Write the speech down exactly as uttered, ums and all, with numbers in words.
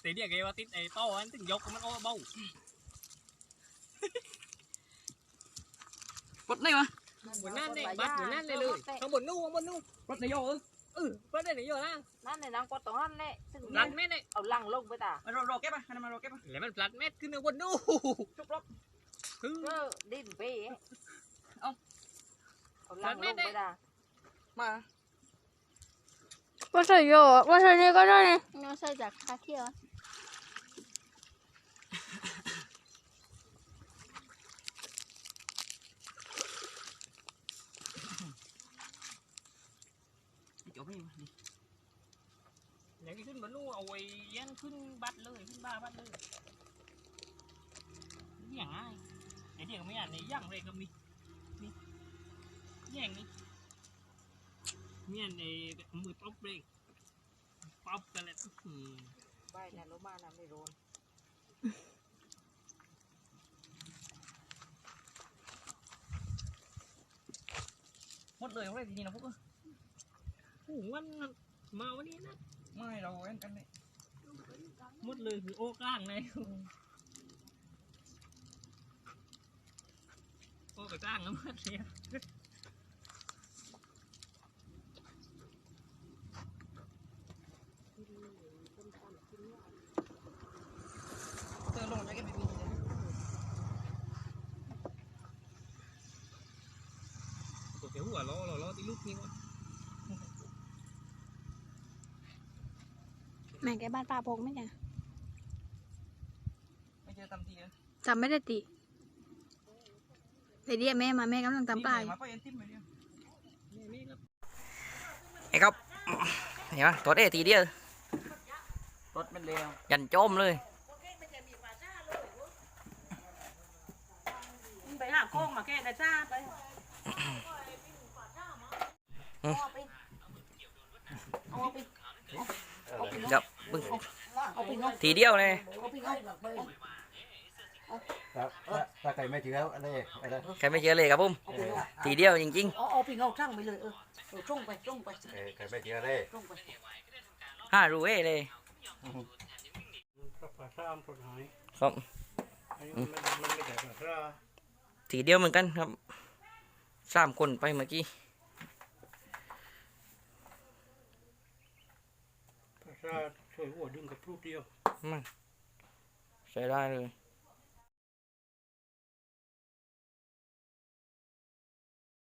ตีเดียกไงว่าติดไอ้โต้อันถึงยกมันโอ้เบ้าปลดได้ปะบนนั่นเลยบัดบนนั่นเลยเลยข้างบนนู่นข้างบนนู่นปลดในโยเออเออปลดได้ไหนอยู่ล่ะนั่นในนังปลดตรงนั้นแหละซึ่งปลัดเม็ดเลยเอาลังลงไปตามารอรอแก้ปะให้มารอแก้ปะแล้วมันปลัดเม็ดขึ้นข้างบนนู่นจุกลบคือก็ดิ้นไปเอาเอาลังลงไปตามาว่าใส่โยว่าใส่นี่ก็ได้เนี่ยว่าใส่จากคาเทียจบไม่มาดิอย่างที่ขึ้นบนนู่นเอาไว้ยันขึ้นบัดเลยขึ้นบ้าบัดเลยอย่างง่ายไอ้เดียกไม่อ่านในย่างเลยก็มีมีแย่งนี่มีอันในมือป๊อปเลยป๊อปกันเลยใบนั่นลงมาน่ะไม่โดนหมดเลยเอาได้ทีนี้นะพวกเออโอ้วันมาวันนี้นะไม่เราเอ็นกันเลยหมดเลยคือโอ้กล้างเลยโอ้ไปกล้างแล้วมัดเลยเจอลงจะก็ไม่มีเลยตัวเขียวหัวล้อล้อล้อตีลูกนี่วะแม่แกบ้านป้าพกไหมจ๊ะไม่เจอตำทีเลยจำไม่ได้ติไปเรียกแม่มาแม่กำลังตำป้ายมาก็ยันติ้มไปเดียวไอ้ครับเห็นไหมตัวเอทีเดียวรถมันเร็วยันโจมเลยไปหาโค้งมาแก้ได้จ้าไปเอาไปเอาไปเดี๋ยวบึ้งทีเดียวเลยถ้าใครไม่เชื่ออะไรอะไรใครไม่เชื่อเลยครับผมทีเดียวจริงๆเอาเอาไปเงาช่างไปเลยเออเออช่องไปช่องไปใครไม่เชื่ออะไรช่องไปห้ารูเอเลยครับทีเดียวเหมือนกันครับสามคนไปเมื่อกี้ถ้าช่วยหัวดึงกับรูปเดียวมันใช้ได้เลย